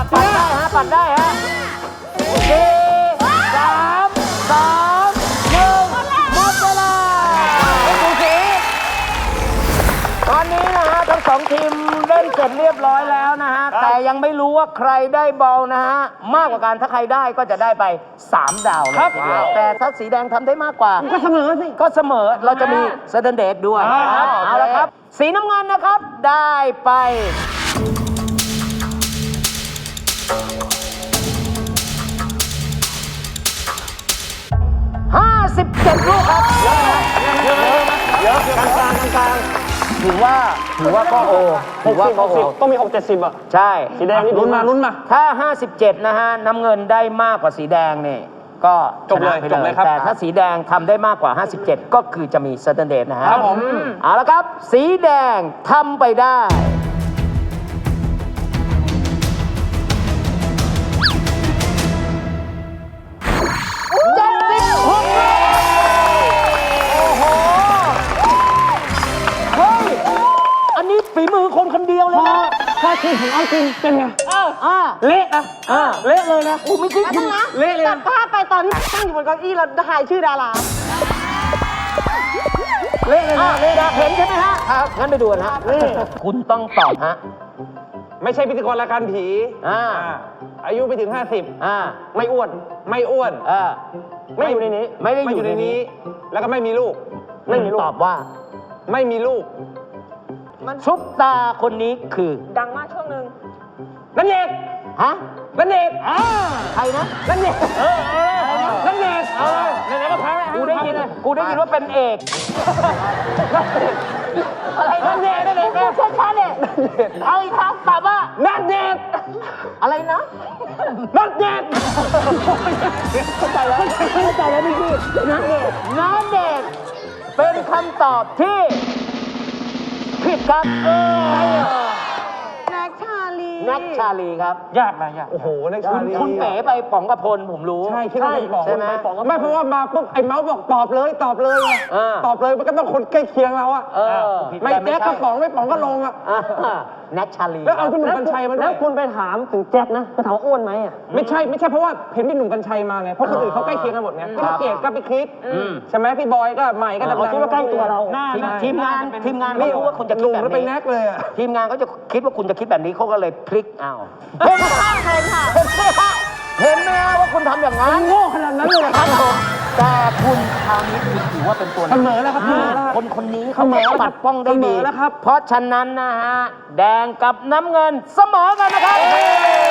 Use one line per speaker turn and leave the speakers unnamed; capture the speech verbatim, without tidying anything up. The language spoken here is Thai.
ปัดได้ฮะปัดได้ฮะสี่สามสองหนึ่งหมดเวลาดูสิตอนนี้นะฮะทั้งสองทีมเล่นเสร็จเรียบร้อยแล้วนะฮะแต่ยังไม่รู้ว่าใครได้บอลนะฮะมากกว่ากันถ้าใครได้ก็จะได้ไปสามดาวเลยทีเดียวแต่ถ้าสีแดงทำได้มากกว่าก็เสมอสิก็เสมอเราจะมีเซเดนเดทด้วยเอาละครับสีน้ำเงินนะครับได้ไปห้าสิบเจ็ดลูกครับเยอะเยอะเยอะกลางกลางกลางถือว่าถือว่าก็โอถือว่าก็โอ
ต้องมีหกเจ็ดสิบอ่ะ
ใช่
สีแดงนี่ลุ้นมาลุ้นมา
ถ้าห้าสิบเจ็ดนะฮะน้ำเงินได้มากกว่าสีแดงเนี่ยก็จบเลยจบเลยครับแต่ถ้าสีแดงทำได้มากกว่าห้าสิบเจ็ดก็คือจะมีเซอร์เทนเดทนะฮะ
ครับผม
เอาละครับสีแดงทำไปได้เจ็ดสิบหกโอ้โหเฮ้ยอันนี้ฝีมือคนคนเดียวเลยนะ
ถ้าคุณของเอาจริงเป็นไง
เอออ่าเละนะอ่าเละเลยนะอู้ไม่ใช่คุณ
เละเลยตัดภาพไปตอนที่ตั้งอยู่บนเก้าอี้เราถ่ายชื่อดารา
เละเลยนะเละนะเห็นใช่ไหมฮะครับงั้นไปดูนะฮะคุณต้องตอบฮะ
ไม่ใช่พิธีกรรายการผี
อ่า
อายุไปถึงห้าสิบ
อ่า
ไม่อ้วนไม่อ้วน
อ่า
ไม่อยู่ในนี้
ไม่ได้อยู่
ในนี้แล้วก็ไม่มีลูก
ไม่มีลูกตอบว่า
ไม่มีลูก
ซุปตาคนนี้คือ
ดังมากช่วงหนึ่ง
นันเนต
ฮะ
นันเนต
อ่าใครนะ
นันเนตเออเออนันเนตเออไหนๆก็แพ้
กูได้ยินกูได้ยินว่าเป็นเอกอะไรนันเนตนันเนตช้าช้าเนี่ยเอาอีกครั้งตอบว่า
นันเนต
อะไรนะ
นันเนต
เข้าใจแล้วเข้าใจแล้วพี่พี่นันเนตนันเนตเป็นคำตอบที่ผิดครับเออ
แน็กชาลี
แน็กชาลีครับ
ยากนะยากโอ้โหแน็กชาลี
คุณเป๋ไปป๋องกระพลผมรู้
ใช่คิดว่าเป็นป๋อง
ใช่ไหม
ไม่เพราะว่ามาปุ๊บไอ้เมาส์บอกตอบเลยตอบเลยตอบเลยมันก็ต้องคนใกล้เคียงเราอะไม่แจ๊กก็ป๋องไม่ป๋องก็ลงอะ
แน็กชาลี
แล้วเอาพี่หนุ่มกัญชัยมา
แล้วคุณไปถามถึงแจ็คนะเขาถามอ้วนไหมอ่ะ
ไม่ใช่ไม่ใช่เพราะว่าเห็นพี่หนุ่มกัญชัยมาไงเพราะคนอื่นเขาใกล้เคียงกันหมดไงพี่เกียรติก็ไปคิดใช่ไหมพี่บอยก็ใหม่ก็ดังๆ
คิดว่าใกล้ตัวเรา
ทีมงานทีมงานไม่รู้ว่าคุณจะคิดแบบนี้
แน็กเลย
ทีมงานเขาจะคิดว่าคุณจะคิดแบบนี้เขาก็เลยพลิกเอา
เห็นค่ะเห็นค่ะ
เห็นไหมว่าคุณทำอย่างนั้น
โง่ขนาดนั้นเลยครับผม
แต่คุณคราวนี้คุณถือว่าเป็นตัว
เสมอแล้วครับ
คนคนนี้เขาปัดป้องได้ดี
แล้วครับ
เพราะฉะนั้นนะฮะแดงกับน้ำเงินเสมอกันนะครับ